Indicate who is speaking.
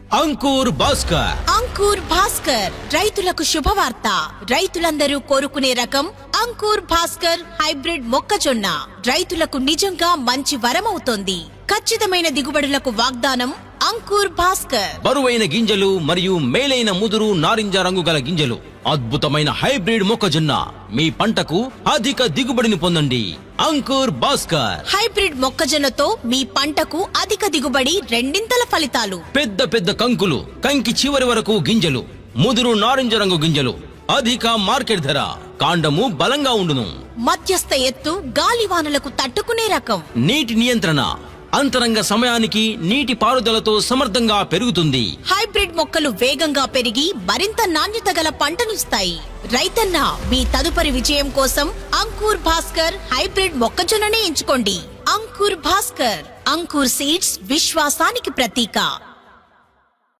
Speaker 1: అంకుర్ భాస్కర్.
Speaker 2: అంకుర్ భాస్కర్ రైతులకు శుభవార్త. రైతులందరూ కోరుకునే రకం అంకుర్ భాస్కర్ హైబ్రిడ్ మొక్కజొన్న రైతులకు నిజంగా మంచి వరమవుతోంది. ఖచ్చితమైన దిగుబడులకు వాగ్దానం అంకుర్ భాస్కర్.
Speaker 1: బరువైన గింజలు మరియు మేలైన ముదురు నారింజ రంగు గల గింజలు, అద్భుతమైన హైబ్రిడ్ మొక్కజొన్న మీ పంటకు అధిక దిగుబడిని పొందండి. అంకుర్ భాస్కర్
Speaker 2: హైబ్రిడ్ మొక్కజొన్నతో మీ పంటకు అధిక దిగుబడి, రెండింతల ఫలితాలు.
Speaker 1: పెద్ద పెద్ద కంకులు, కంకి చివరి వరకు గింజలు, ముదురు నారింజ రంగు గింజలు, అధిక మార్కెట్ ధర, కాండము బలంగా ఉండును.
Speaker 2: మధ్యస్థ ఎత్తు, గాలివానలకు తట్టుకునే రకం.
Speaker 1: నీటి నియంత్రణ, అంతరంగ సమయానికి నీటి పారుదలతో సమర్థంగా పెరుగుతుంది.
Speaker 2: హైబ్రిడ్ మొక్కలు వేగంగా పెరిగి మరింత నాణ్యత గల పంటనిస్తాయి. రైతన్న, మీ తదుపరి విజయం కోసం అంకుర్ భాస్కర్ హైబ్రిడ్ మొక్కజొన్ననే ఎంచుకోండి. అంకుర్ భాస్కర్. అంకుర్ సీడ్స్ విశ్వాసానికి ప్రతీక.